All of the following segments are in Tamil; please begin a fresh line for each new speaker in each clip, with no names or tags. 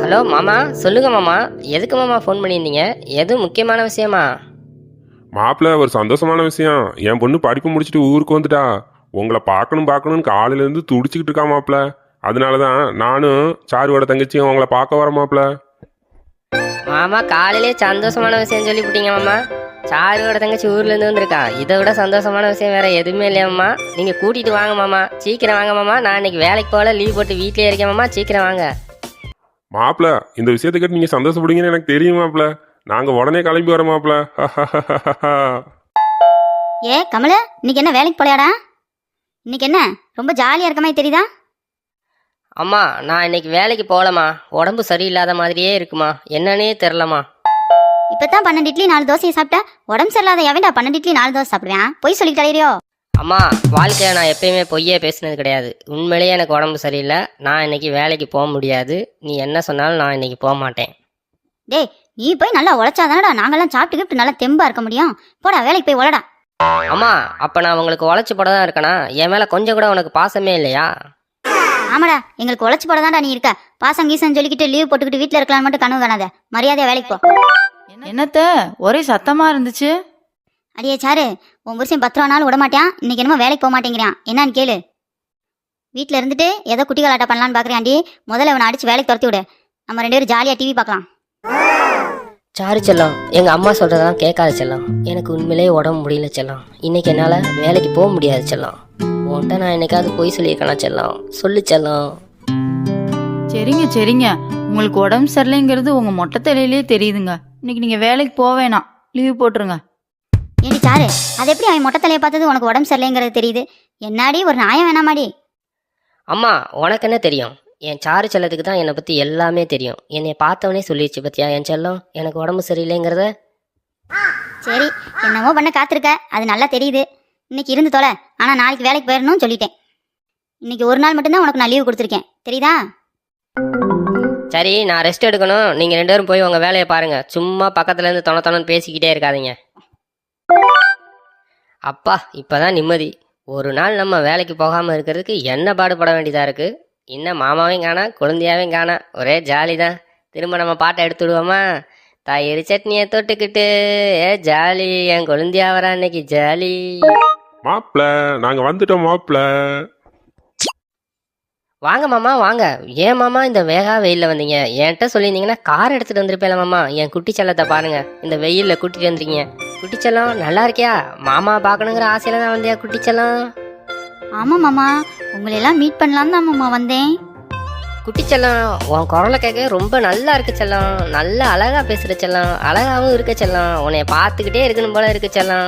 ஹலோ மாமா, சொல்லுங்க மாமா. எதுக்கு மாமா ஃபோன் பண்ணியிருந்தீங்க? எதுவும் முக்கியமான விஷயமா?
மாப்பிள்ள ஒரு சந்தோஷமான விஷயம். என் பொண்ணு படிப்பு முடிச்சுட்டு ஊருக்கு வந்துட்டா. உங்களை பார்க்கணும் பார்க்கணும்னு காலையில இருந்து துடிச்சுக்கிட்டு இருக்கா மாப்பிள்ள. அதனாலதான் நானும் சாருவோட தங்கச்சியும் உங்களை பார்க்க வர மாப்பிள்ள.
மாமா, காலையிலே சந்தோஷமான விஷயம் சொல்லிவிட்டீங்க மாமா. சாருவோட தங்கச்சி ஊர்லேருந்து வந்திருக்கா. இதை விட சந்தோஷமான விஷயம் வேற எதுவுமே இல்லையா மாமா? நீங்கள் கூட்டிகிட்டு வாங்க மாமா, சீக்கிரம் வாங்க மாமா. நான் இன்னைக்கு வேலைக்கு போகல, லீவ் போட்டு வீட்டிலே இருக்கேன் மாமா. சீக்கிரம் வாங்க
மாப்பிள்ள, இந்த விஷயத்தை கேட்டு நீங்க சந்தோஷப்படுவீங்கன்னு எனக்கு தெரியும் மாப்பிள்ள. நாங்க உடனே கிளம்பி வரோம் மாப்பிள்ள.
ஏ கமல, இன்னைக்கு என்ன வேலைக்கு போலையாடா? இன்னைக்கு என்ன ரொம்ப ஜாலியா இருக்க மாதிரி தெரியுதா?
அம்மா, நான் இன்னைக்கு வேலைக்கு போகலம்மா. உடம்பு சரியில்லாத மாதிரியே இருக்குமா, என்னன்னே தெரிலம்மா.
இப்பதான் 12 இட்லி 4 தோசையை சாப்பிட்டா உடம்பு சரியில்லாத எவன்டா 12 இட்லி 4 தோசை சாப்பிடுவேன்? பொய் சொல்லிட்டு அலையிறியோ?
அம்மா, வாழ்க்கையில் நான் எப்பயுமே பொய்யே பேசினது கிடையாது. உண்மையிலேயே எனக்கு உடம்பு சரியில்லை. நான் இன்னைக்கு வேலைக்கு போக முடியாது. நீ என்ன சொன்னாலும் நான் இன்னைக்கு போக மாட்டேன்.
டேய், நீ போய் நல்லா உழைச்சாதானடா நாங்கெல்லாம் சாப்பிட்டுக்கிட்டு நல்லா தெம்பா இருக்க முடியும். போடா, வேலைக்கு போய் உழடா.
அம்மா, அப்போ நான் உங்களுக்கு உழைச்சி போட தான் இருக்கேனா? என் மேலே கொஞ்சம் கூட உனக்கு பாசமே இல்லையா?
ஆமாடா, எங்களுக்கு உழைச்சி போடதான்டா நீ இருக்க. பாசம் கீசம் சொல்லிக்கிட்டு லீவ் போட்டுக்கிட்டு வீட்டில் இருக்கலாம்னு மட்டும் கனவு காணாத. மரியாதையா வேலைக்கு போ.
என்னத்த ஒரே சத்தமா இருந்துச்சு?
அடியே சாரு, உன் புருஷன் 10 ரூபா நாள் விட மாட்டான். இன்னைக்கு என்னமோ வேலைக்கு போக மாட்டேங்கிறான். என்னன்னு கேளு. வீட்டில் இருந்துட்டு ஏதோ குட்டி கலாட்டம் பண்ணலான்னு பார்க்குறியாண்டி. முதல்ல இவனை அடிச்சு வேலைக்கு துரத்தி விடு. நம்ம 2 பேரும் ஜாலியாக டிவி பார்க்கலாம்.
சாரி செல்லம், எங்கள் அம்மா சொல்கிறதெல்லாம் கேட்காத செல்லம். எனக்கு உண்மையிலேயே உடம்பு முடியல செல்லம். இன்னைக்கு என்னால் வேலைக்கு போக முடியாது செல்லம். உன்கிட்ட நான் என்னைக்காவது பொய் சொல்லியிருக்கேனா செல்லம்? சொல்லு செல்லம்.
சரிங்க சரிங்க, உங்களுக்கு உடம்பு சரியில்லைங்கிறது உங்க மொட்டை தலையிலேயே தெரியுதுங்க. இன்னைக்கு நீங்க வேலைக்கு போக வேணாம், லீவ் போட்டுருங்க.
ஏடி சாரு, அது எப்படி அவன் மொட்டை தலையை பார்த்தது உனக்கு உடம்பு சரியில்லைங்கிறது தெரியுது? என்னாடி ஒரு நியாயம் வேணாமாடி?
அம்மா, உனக்கு என்ன தெரியும்? என் சாரு செல்லத்துக்கு தான் என்னை பற்றி எல்லாமே தெரியும். என்னை பார்த்தவனே சொல்லிடுச்சு பத்தியா என் செல்லம் எனக்கு உடம்பு சரியில்லைங்கிறத.
சரி, என்னமோ பண்ண காத்திருக்க, அது நல்லா தெரியுது. இன்னைக்கு இருந்து தொலை. ஆனால் நாளைக்கு வேலைக்கு போயிடணும்னு சொல்லிட்டேன். இன்னைக்கு ஒரு நாள் மட்டும்தான் உனக்கு நான் லீவு கொடுத்துருக்கேன், தெரியுதா?
சரி, நான் ரெஸ்ட் எடுக்கணும். நீங்கள் 2 பேரும் போய் உங்கள் வேலையை பாருங்கள். சும்மா பக்கத்துலேருந்து தொண பேசிக்கிட்டே இருக்காதீங்க. அப்பா, இப்போ தான் நிம்மதி. ஒரு நாள் நம்ம வேலைக்கு போகாமல் இருக்கிறதுக்கு என்ன பாடுபட வேண்டியதாக இருக்குது. இன்னும் மாமாவையும் காணா, குழந்தையாவையும் காணா. ஒரே ஜாலி தான். திரும்ப நம்ம பாட்டை எடுத்து விடுவோமா? தயிர் சட்னியை தொட்டுக்கிட்டு ஏ ஜாலி, என் குழந்தையா வரா இன்னைக்கு ஜாலி.
மாப்பிள்ள, நாங்க வந்துட்டோம் மாப்பிள்ள.
வாங்க மாமா, வாங்க. ஏன் மாமா இந்த வேகா வெயிலில் வந்தீங்க? என்கிட்ட சொல்லியிருந்தீங்கன்னா கார் எடுத்துகிட்டு வந்திருப்பேல மாமா. என் குட்டி செல்லத்தை பாருங்க, இந்த வெயிலில் கூட்டிகிட்டு வந்துருக்கீங்க. குட்டி செல்லம், நல்லா இருக்கியா? மாமா பார்க்கணுங்கிற ஆசையில தான் வந்தியா குட்டி செல்லம்?
ஆமாம் மாமா, உங்களையெல்லாம் மீட் பண்ணலான்னு தான் மாமா வந்தேன்.
குட்டி செல்லம், உன் குரலை கேட்க ரொம்ப நல்லா இருக்கு செல்லம். நல்லா அழகா பேசுகிற செல்லம். அழகாகவும் இருக்க செல்லம். உன்னைய பார்த்துக்கிட்டே இருக்கணும் போல இருக்கு செல்லம்.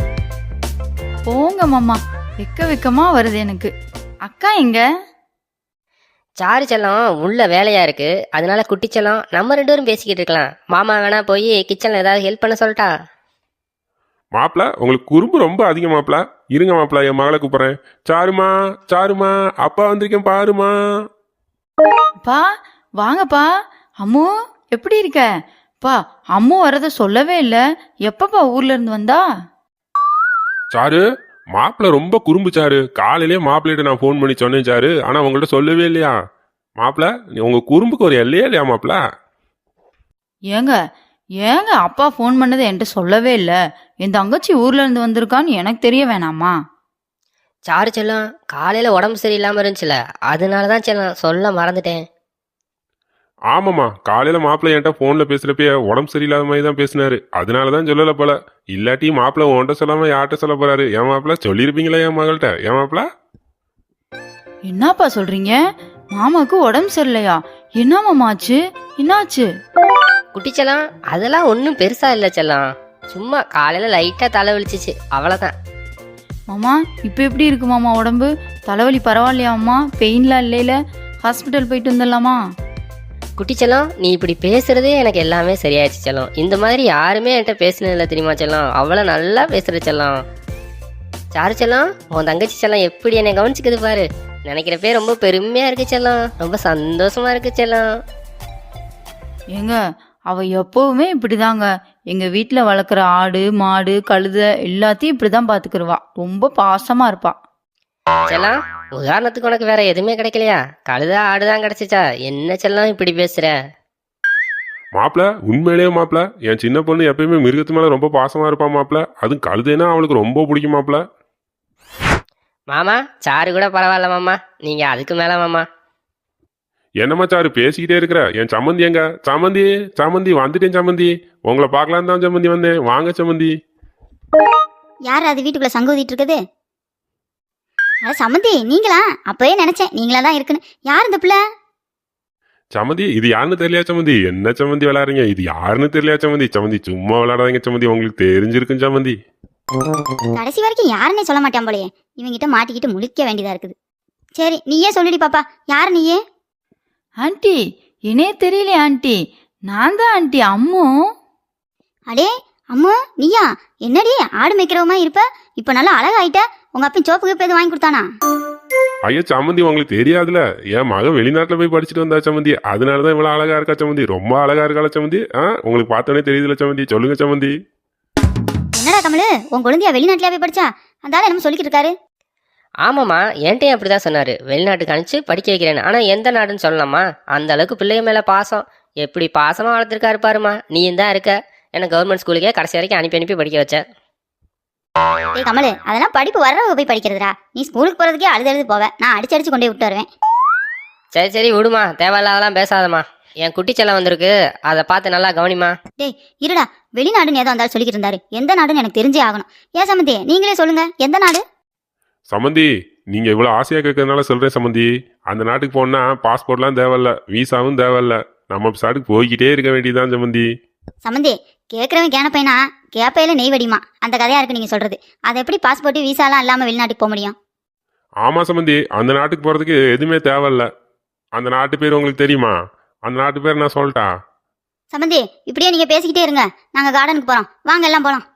போங்க மாமா, வெக்கமா வருது எனக்கு. அக்கா எங்க?
சாரு செல்லம் உள்ள வேலையா இருக்கு. அதனால குட்டி செல்லம் நம்ம 2 பேரும் பேசிக்கிட்டு இருக்கலாம். மாமா வேணா போய் கிச்சன்ல ஏதாவது ஹெல்ப் பண்ண சொல்லட்டா?
மாப்பிள்ள, உங்களுக்கு குறும்பு ரொம்ப அதிகம் மாப்பிள்ள. இருங்க மாப்பிள்ள, என் மகளை கூப்பிடுறேன். சாருமா, சாருமா, அப்பா வந்திருக்கேன் பாருமா.
பா வாங்கப்பா. அம்மு எப்படி இருக்க? பா, அம்மு வரத சொல்லவே இல்லை. எப்பப்பா ஊர்ல இருந்து வந்தா?
சாரு, மாப்பிள்ள ரொம்ப குறும்பு சாரு. காலையிலேயே மாப்பிள்ளைகிட்ட நான் ஃபோன் பண்ணி சொன்னேன் சாரு, ஆனா உங்கள்கிட்ட சொல்லவே இல்லையா? மாப்பிள்ள, உங்க குறும்புக்கு ஒரு எல்லையே இல்லையா மாப்பிள்ள?
ஏங்க ஏங்க அப்பா ஃபோன் பண்ணதை என்கிட்ட சொல்லவே இல்லை. என் தங்கச்சி ஊர்ல இருந்து வந்திருக்கான்னு எனக்கு தெரிய வேணாமா?
சாரு செல்லம் காலையில உடம்பு சரியில்லாம இருந்துச்சுல, அதனால தான் செல்லம் சொல்ல மறந்துட்டேன்.
ஆமாம்மா, காலையில மாப்பிள்ளை என்கிட்ட ஃபோன்ல பேசுறப்ப உடம்பு சரியில்லாத மாதிரி தான் பேசினாரு. அதனாலதான் சொல்லல போல. இல்லாட்டி மாப்பிள்ளை உன்கிட்ட சொல்லாம யார்கிட்ட சொல்ல போறாரு? என் மாப்பிள்ள சொல்லியிருப்பீங்களா என் மகள்கிட்ட? என் மாப்பிள்ள
என்னப்பா சொல்றீங்க? மாமாக்கு உடம்பு சரியில்லையா? என்ன மாமா ஆச்சு? என்னாச்சு?
குட்டி செல்லம், அதெல்லாம் ஒன்றும் பெருசா இல்லை செல்லம். சும்மா காலையில லைட்டா தலை வலிச்சிச்சு, அவ்வளோதான்.
மாமா இப்போ எப்படி இருக்கு மாமா உடம்பு? தலைவலி பரவாயில்லையா அம்மா? பெயின்லாம் இல்லையில? ஹாஸ்பிட்டல் போயிட்டு வந்துடலாமா?
குட்டி செல்லம், நீ இப்படி பேசுறதே எனக்கு எல்லாமே சரியாயிடுச்சு செல்லம். இந்த மாதிரி யாருமே என்கிட்ட பேசினதில்லை தெரியுமா செல்லம். அவ்வளோ நல்லா பேசுற செல்லம். சாரு செல்லம், உன் தங்கச்சி செல்லம் எப்படி என்னை கவனிச்சுக்குது பாரு. நினைக்கிறப்பே ரொம்ப பெருமையா இருக்கு செல்லம். ரொம்ப சந்தோஷமா இருக்கு செல்லம்.
ஏங்க, அவ எப்பவுமே இப்படிதாங்க. எங்க வீட்டுல வளர்க்குற ஆடு மாடு கழுதை எல்லாத்தையும் இப்படிதான் பாத்துக்கிருவா. ரொம்ப பாசமா இருப்பா.
செல்லம், உதாரணத்துக்கு உனக்கு வேற எதுவுமே கிடைக்கலையா? கழுத ஆடுதான் கிடைச்சிச்சா? என்ன செல்லம் இப்படி பேசுற?
மாப்பிள உண்மையிலேயே மாப்பிள என் சின்ன பொண்ணு எப்பயுமே மிருகத்து மேல ரொம்ப பாசமா இருப்பா மாப்பிள. அதுவும் கழுதைனா அவளுக்கு ரொம்ப பிடிக்கும் மாப்பிள.
மாமா சாரு கூட பரவாயில்ல மாமா, நீங்க அதுக்கு மேல மாமா.
என்னம்மா சாரு பேசிக்கிட்டே இருக்கிற? என் சம்மந்தி எங்க? சம்மந்தி சம்மந்தி வந்துட்டேன் சம்மந்தி. உங்களை பார்க்கலாம் தான் சம்மந்தி வந்தேன். வாங்க சம்மந்தி.
யார் அது வீட்டுக்குள்ள சங்கு ஊதிட்டு இருக்குது? அட சம்மந்தி நீங்களா? அப்பவே நினைச்சேன் நீங்களா தான் இருக்குன்னு. யார் இந்த பிள்ளை?
சம்மந்தி இது யாருன்னு தெரியலையா சம்மந்தி? என்ன சம்மந்தி விளையாடுறீங்க? இது யாருன்னு தெரியலையா சம்மந்தி? சம்மந்தி சும்மா விளையாடாதீங்க சம்மந்தி, உங்களுக்கு தெரிஞ்சிருக்கும் சம்மந்தி.
கடைசி வரைக்கும் யாருன்னே சொல்ல மாட்டான் போலயே. இவங்கிட்ட மாட்டிக்கிட்டு முழிக்க வேண்டியதா இருக்குது. சரி நீயே சொல்லிடி பாப்பா, யாரு நீயே?
ஆண்டி என்னே தெரியலையே ஆண்டி, நான் தான் ஆண்டி அம்மு.
அடே அம்மா நீயா? என்னடி ஆடு மேய்க்கிறவமா இருப்ப, இப்ப நல்லா அழகாயிட்ட. உங்க அப்பன் சோப்பு கீப்பு எதுவும் வாங்கி கொடுத்தானா?
ஐயா சம்மந்தி உங்களுக்கு தெரியாதுல, என் மகன் வெளிநாட்டுல போய் படிச்சுட்டு வந்தா சம்மந்தி, அதனாலதான் இவ்வளவு அழகா இருக்கா சம்மந்தி. ரொம்ப அழகா இருக்காளா சம்மந்தி? உங்களுக்கு பார்த்தோன்னே தெரியுதுல சம்மந்தி. சொல்லுங்க சம்மந்தி.
என்னடா கமலு, உன் குழந்தையா வெளிநாட்டுல போய் படிச்சா? அந்த ஆள் என்னமோ சொல்லிக்கிட்டு இருக்காரு.
ஆமாம்மா, என்கிட்டயும் அப்படிதான் சொன்னாரு, வெளிநாட்டுக்கு அனுப்பிச்சு படிக்க வைக்கிறேன்னு. ஆனா எந்த நாடுன்னு சொல்லலாமா? அந்த அளவுக்கு பிள்ளைய மேல பாசம், எப்படி பாசமா வளர்த்துருக்காரு பாருமா. நீயும் தான் இருக்க, என்ன கவர்மெண்ட் ஸ்கூலுக்கே கடைசி வரைக்கும் அனுப்பி படிக்க வச்ச.
ஏய் கமலு, அதெல்லாம் படிப்பு வர்றவங்க போய் படிக்கிறதுடா. நீ ஸ்கூலுக்கு போறதுக்கே அழுது போவ, நான் அடிச்சு கொண்டு போய் விட்டு வருவேன்.
சரி சரி விடுமா, தேவையில்லாதெல்லாம் பேசாதம்மா. என் குட்டி செல்லம் வந்திருக்கு, அதை பார்த்து நல்லா கவனிமா.
டேய் இருடா, வெளிநாடுன்னு ஏதோ வந்தாலும் சொல்லிக்கிட்டு இருந்தாரு. எந்த நாடுன்னு எனக்கு தெரிஞ்சே ஆகணும். ஏன் சம்மந்தி நீங்களே சொல்லுங்க, எந்த நாடு?
சம்மந்தி நீங்க இவ்வளவு ஆசையா கேட்கறதுனால சொல்றேன் சம்மந்தி. அந்த நாட்டுக்கு போனா பாஸ்போர்ட்லாம் தேவையில்ல, விசாவும் தேவையில்ல, நம்ம சாட்டுக்கு போய்கிட்டே இருக்க வேண்டியதுதான் சம்மந்தி.
சம்மந்தி கேட்குறவன் கேனப்பைனா கேப்பையில நெய் வடிமா, அந்த கதையா இருக்கு நீங்க சொல்றது. அது எப்படி பாஸ்போர்ட் விசாலாம் இல்லாம வெளிநாட்டுக்கு போக முடியும்?
ஆமா சம்மந்தி, அந்த நாட்டுக்கு போறதுக்கு எதுவுமே தேவையில்ல. அந்த நாட்டு பேர் உங்களுக்கு தெரியுமா? அந்த நாட்டு பேர் நான் சொல்லிட்டா?
சம்மந்தி இப்படியே நீங்க பேசிக்கிட்டே இருங்க, நாங்க கார்டனுக்கு போறோம், வாங்க எல்லாம் போலாம்.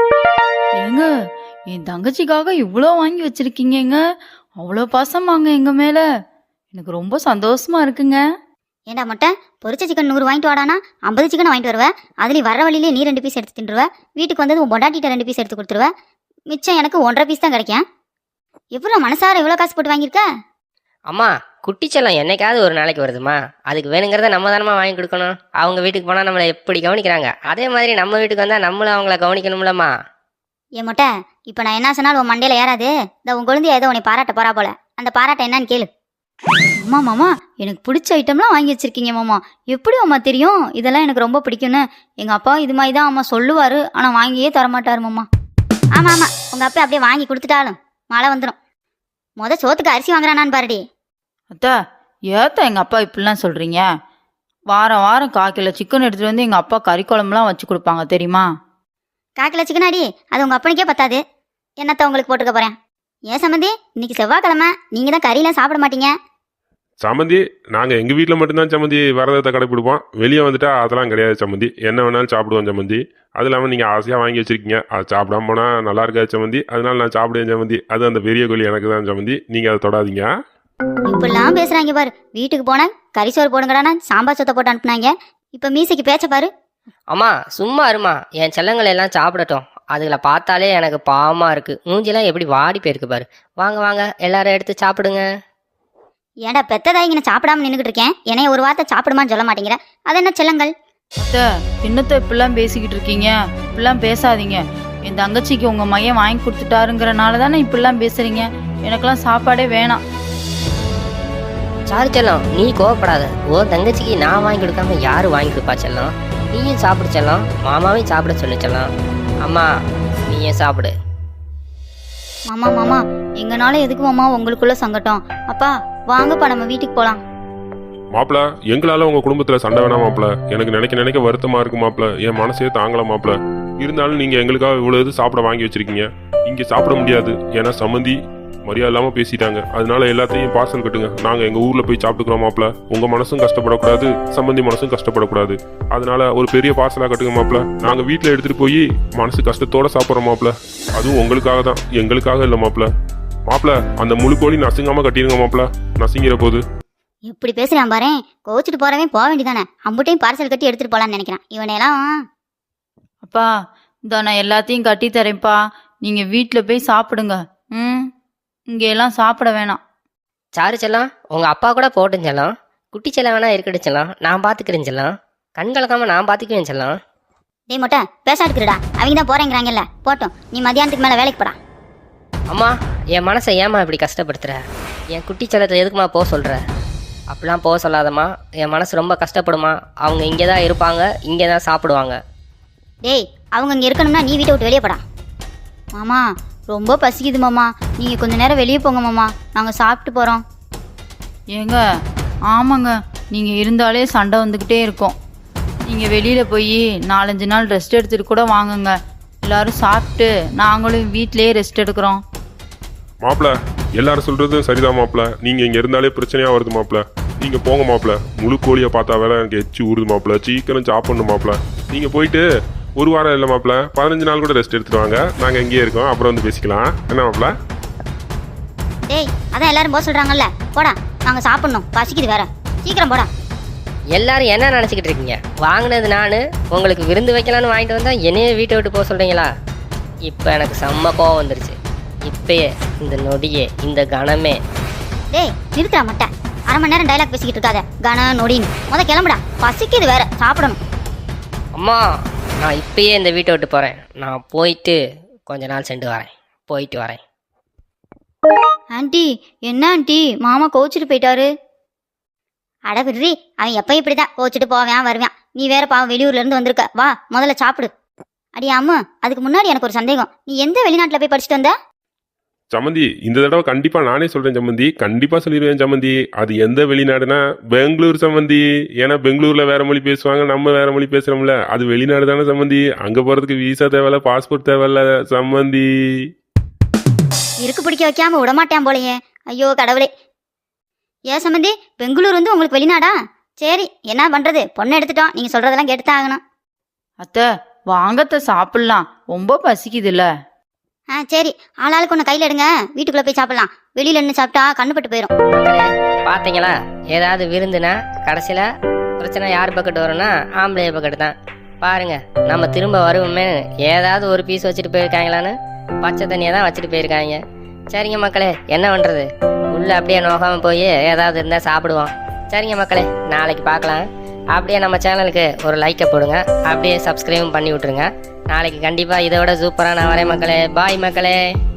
ஏங்க என் தங்கச்சிக்காக இவ்வளோ வாங்கி வச்சிருக்கீங்கங்க, அவ்வளோ பாசமாங்க எங்க மேல. எனக்கு ரொம்ப சந்தோஷமா இருக்குங்க.
ஏண்டா மொட்டை, பொரிச்ச சிக்கன் 100 வாங்கிட்டு வாடானா 50 சிக்கன் வாங்கிட்டு வருவ. அதுலேயும் வர வழியிலே நீ 2 பீஸ் எடுத்து தின்றுவ. வீட்டுக்கு வந்தது உன் பொண்டாட்டிட்ட 2 பீஸ் எடுத்து கொடுத்துருவ. மிச்சம் எனக்கு 1.5 பீஸ் தான் கிடைக்கும். எப்படி மனசார இவ்வளோ காசு போட்டு வாங்கியிருக்க?
அம்மா குட்டி செல்லம் என்னைக்காவது ஒரு நாளைக்கு வருதுமா, அதுக்கு வேணுங்கிறத நம்ம தானமா வாங்கி கொடுக்கணும். அவங்க வீட்டுக்கு போனால் நம்மளை எப்படி கவனிக்கிறாங்க, அதே மாதிரி நம்ம வீட்டுக்கு வந்தால் நம்மளும் அவங்கள கவனிக்கணும்லம்மா.
ஏன் மொட்டை, இப்போ நான் என்ன சொன்னாலும் உன் மண்டையில ஏறாது. இந்த உன் குழந்தைய ஏதோ உன்னை பாராட்ட போறா போல. அந்த பாராட்ட என்னன்னு கேளு.
அம்மா மாமா எனக்கு பிடிச்ச ஐட்டம்லாம் வாங்கி வச்சிருக்கீங்க மாமா. எப்படி அம்மா தெரியும் இதெல்லாம் எனக்கு ரொம்ப பிடிக்கும்னு? எங்க அப்பா இது மாதிரி தான் அம்மா சொல்லுவாரு, ஆனா வாங்கியே தரமாட்டாரு மாமா.
ஆமா ஆமா, உங்க அப்பா அப்படியே வாங்கி கொடுத்துட்டாலும் மழை வந்துடும். சோத்துக்கு அரிசி வாங்குறானான்னு பாருடி.
அத்தா ஏத்தா எங்க அப்பா இப்படிலாம் சொல்றீங்க? வாரம் வாரம் 1/4 கிலோ சிக்கன் எடுத்துட்டு வந்து எங்க அப்பா கறி குழம்புலாம் வச்சு கொடுப்பாங்க தெரியுமா?
1/4 கிலோ சிக்கனாடி, அது உங்க அப்பனுக்கே பத்தாது. என்னத்த உங்களுக்கு போட்டுக்க போறேன். ஏன் சம்மந்தி, இன்னைக்கு செவ்வாய்க்கிழமை, நீங்க தான் கறியெல்லாம் சாப்பிட மாட்டீங்க.
சம்மந்தி நாங்க எங்க வீட்டில் மட்டும்தான் சம்மந்தி விரதத்தை கடைப்பிடிப்போம். வெளியே வந்துட்டா அதெல்லாம் கிடையாது சம்மந்தி. என்ன வேணாலும் சாப்பிடுவோம் சம்மந்தி. அது இல்லாமல் நீங்கள் ஆசையாக வாங்கி வச்சிருக்கீங்க, அது சாப்பிடாம போனால் நல்லா இருக்காது சம்மந்தி. அதனால நான் சாப்பிடுவேன் சம்மந்தி. அது அந்த பெரிய கோழி எனக்கு தான் சம்மந்தி, நீங்கள் அதை தொடாதீங்க.
இப்படிலாம் பேசுறாங்க பாரு. வீட்டுக்கு போன கறி சோறு போடுங்கடானா சாம்பார் சொத்தை போட்டு அனுப்புனாங்க. இப்ப மீசைக்கு பேச்ச பாரு.
அம்மா சும்மா இருமா, என் செல்லங்கள் எல்லாம் சாப்பிடட்டும். அதுகளை பார்த்தாலே எனக்கு பாவமா இருக்கு. மூஞ்சிலாம் எப்படி வாடி போயிருக்கு பாரு. வாங்க வாங்க எல்லாரும் எடுத்து சாப்பிடுங்க.
ஏன்டா பெத்ததாய் இங்கே சாப்பிடாம நின்றுட்டு இருக்கேன், என்னைய ஒரு வார்த்தை சாப்பிடுமான்னு சொல்ல மாட்டேங்கிற. அது என்ன செல்லங்கள்?
அத்தை என்னத்த இப்படிலாம் பேசிக்கிட்டு இருக்கீங்க? இப்படிலாம் பேசாதீங்க. என் தங்கச்சிக்கு உங்க மையம் வாங்கி கொடுத்துட்டாருங்கிறனால தானே இப்படிலாம் பேசுறீங்க. எனக்கெல்லாம் சாப்பாடே வேணாம்.
சாரு செல்லம் நீ கோவப்படாத. ஓ தங்கச்சிக்கு நான் வாங்கி கொடுக்காம யாரு வாங்கி கொடுப்பா செல்லம்? நீயும் சாப்பிடு செல்லம், மாமாவையும் சாப்பிட சொல்லு செல்லம். அம்மா நீயே சாப்பிடு.
மாமா மாமா, எங்கனால எதுக்கு மாமா உங்களுக்குள்ள சங்கட்டம்? அப்பா வாங்கப்பா நம்ம வீட்டுக்கு போலாம்.
மாப்பிள எங்களால உங்க குடும்பத்துல சண்டை வேணாம் மாப்பிள. எனக்கு நினைக்க வருத்தமா இருக்கு மாப்பிள. என் மனசே தாங்கல மாப்பிள. இருந்தாலும் நீங்க எங்களுக்காக இவ்வளவு இது சாப்பிட வாங்கி வச்சிருக்கீங்க. இங்க சாப்பிட முடியாது, ஏன்னா சம்மந்தி மரியாதை இல்லாம பேசிட்டாங்க. அதனால எல்லாத்தையும் பார்சல் கட்டுங்க, நாங்க எங்க ஊர்ல போய் சாப்பிட்டுக்கிறோம் மாப்பிள. உங்க மனசும் கஷ்டப்படக்கூடாது, சம்மந்தி மனசும் கஷ்டப்படக்கூடாது. அதனால ஒரு பெரிய பார்சலா கட்டுங்க மாப்பிள. நாங்க வீட்டுல எடுத்துட்டு போய் மனசு கஷ்டத்தோட சாப்பிட்றோம் மாப்பிள. அதுவும் உங்களுக்காக தான், எங்களுக்காக இல்ல மாப்பிள. மாப்பிள அந்த முழு கோழி நசுங்காம கட்டிடுங்க மாப்பிள, நசுங்கிற போது.
எப்படி பேசுறான் பாரு. கோச்சிட்டு போறவன் போக வேண்டியதானே. அம்புட்டையும் பார்சல் கட்டி எடுத்துட்டு போலான்னு நினைக்கிறான் இவனையெல்லாம்.
அப்பா இந்த நான் எல்லாத்தையும் கட்டி தரேன்ப்பா, நீங்க வீட்டில் போய் சாப்பிடுங்க. இங்க எல்லாம் சாப்பிட வேணாம்.
சாரு செல்லம் உங்க அப்பா கூட போட்டும் செல்லம், குட்டி செல்லம் வேணா இருக்கட்டும் செல்லம், நான் பாத்துக்கிறேன் செல்லம். கண் கலக்காம நான் பார்த்துக்குவேன் செல்லம்.
டேய் மொட்டை பேசா எடுக்கிறடா, அவங்க தான் போறேங்கிறாங்கல்ல, போட்டோம். நீ மதியானத்துக்கு மேலே வேலைக்கு போடா.
அம்மா, என் மனசை ஏம்மா இப்படி கஷ்டப்படுத்துற? என் குட்டி செல்லத்தை எதுக்குமா போக சொல்கிற? அப்படிலாம் போக சொல்லாதம்மா, என் மனசு ரொம்ப கஷ்டப்படுமா. அவங்க இங்கே தான் இருப்பாங்க, இங்கே தான் சாப்பிடுவாங்க.
டேய், அவங்க இங்கே இருக்கணும்னா நீ வீட்டை விட்டு வெளியே போடா. மாமா ரொம்ப பசிக்குது மாமா, நீங்கள் கொஞ்ச நேரம் வெளியே போங்க மாமா, நாங்கள் சாப்பிட்டு போகிறோம்.
ஏங்க ஆமாங்க, நீங்கள் இருந்தாலே சண்டை வந்துக்கிட்டே இருக்கும். நீங்கள் வெளியில் போய் 4-5 நாள் ரெஸ்ட் எடுத்துகிட்டு கூட வாங்குங்க. எல்லாரும் சாப்பிட்டு நாங்களும் வீட்டிலேயே ரெஸ்ட் எடுக்கிறோம்.
மாப்பிள எல்லாரும் சொல்றதும் சரிதான் மாப்பிள. நீங்க இங்க இருந்தாலே பிரச்சனையா வருது மாப்பிள. நீங்க போங்க மாப்பிள. முழு கோழியை பார்த்தா வேலை எனக்கு எச்சு ஊறுது மாப்பிள. சீக்கிரம் சாப்பிடணும் மாப்பிள. நீங்க போயிட்டு ஒரு வாரம் இல்லை மாப்பிள, 15 நாள் கூட ரெஸ்ட் எடுத்துட்டு வாங்க. நாங்க இங்கேயே இருக்கோம், அப்புறம் வந்து பேசிக்கலாம். என்ன மாப்பிள?
டேய், அதான் எல்லாரும் போக சொல்கிறாங்கல்ல, போடா, நாங்கள் சாப்பிட்ணும், பசிக்குது வேற, சீக்கிரம் போடா.
எல்லாரும் என்ன நினச்சிக்கிட்டு இருக்கீங்க? வாங்கினது நான், உங்களுக்கு விருந்து வைக்கலான்னு வாங்கிட்டு வந்தால் என்னையே வீட்டை விட்டு போக சொல்கிறீங்களா? இப்போ எனக்கு செம்ம கோவம் வந்துருச்சு. இப்பயே, இந்த நொடியே, இந்த கணமே.
டேய் நிறுத்துறா மட்டை, அரை மணி நேரம் டைலாக் பேசிக்கிட்டு இருக்காத. கன நொடின்னு கிளம்புடா, பசிக்குது வேற, சாப்பிடணும்.
அம்மா, நான் இப்பயே இந்த வீட்டை விட்டு போகிறேன். நான் போயிட்டு கொஞ்ச நாள் சென்று வரேன். போயிட்டு வரேன்.
ஆண்டி என்ன ஆண்டி, மாமா கோச்சிட்டு போயிட்டாரு. அட விடுறி, அவன் எப்போ இப்படி தான் கோச்சிட்டு போவேன் வருவான். நீ வேற பாவம் வெளியூர்லேருந்து வந்திருக்க, வா முதல்ல சாப்பிடு. அடி அம்மு, அதுக்கு முன்னாடி எனக்கு ஒரு சந்தேகம், நீ எந்த வெளிநாட்டில் போய் படிச்சுட்டு வந்த?
சம்மந்தி, இந்த தடவை கண்டிப்பா நானே சொல்றேன் சம்மந்தி. கண்டிப்பா சொல்லிடுவேன் சம்மந்தி. அது எந்த வெளிநாடுனா பெங்களூர் சம்மந்தி. ஏன்னா பெங்களூர்ல வேற மொழி பேசுவாங்க, நம்ம வேற மொழி பேசுறோம்ல. அது வெளிநாடு தானே சம்மந்தி. அங்க போறதுக்கு விசா தேவையில்ல, பாஸ்போர்ட் தேவையில்ல சம்மந்தி.
இருக்கு பிடிக்க வைக்காம விடமாட்டேன் போலையே. ஐயோ கடவுளே. ஏன் சம்மந்தி, பெங்களூர் வந்து உங்களுக்கு வெளிநாடா? சரி, என்ன பண்றது, பொண்ணை எடுத்துட்டோம், நீங்க சொல்றதெல்லாம் கேட்டுதான் ஆகணும்.
அத்தை வாங்கத்த சாப்பிட்லாம், ரொம்ப பசிக்குதுல்ல.
சரி, ஆளாளுக்கு ஒன்று கையில் எடுங்க, வீட்டுக்குள்ளே போய் சாப்பிடலாம். வெளியில் நின்று சாப்பிட்டா கண்ணுப்பட்டு போயிடும்.
மக்களே, பார்த்தீங்களா? ஏதாவது விருந்துனா கடைசியில் பிரச்சனை யார் பக்கெட்டு வரும்னா ஆம்பளை பக்கெட்டு தான். பாருங்க, நம்ம திரும்ப வருவோமே ஏதாவது ஒரு பீஸ் வச்சுட்டு போயிருக்காங்களான்னு பச்சை தண்ணியை தான் வச்சுட்டு போயிருக்காங்க. சரிங்க மக்களே, என்ன பண்ணுறது, உள்ளே அப்படியே நோகாமல் போய் ஏதாவது இருந்தால் சாப்பிடுவோம். சரிங்க மக்களே, நாளைக்கு பார்க்கலாம். அப்படியே நம்ம சேனலுக்கு ஒரு லைக்கை போடுங்க, அப்படியே சப்ஸ்கிரைபும் பண்ணி விட்ருங்க. நாளைக்கு கண்டிப்பாக இதை விட சூப்பராக நான் வரேன் மக்களே. பாய் மக்களே.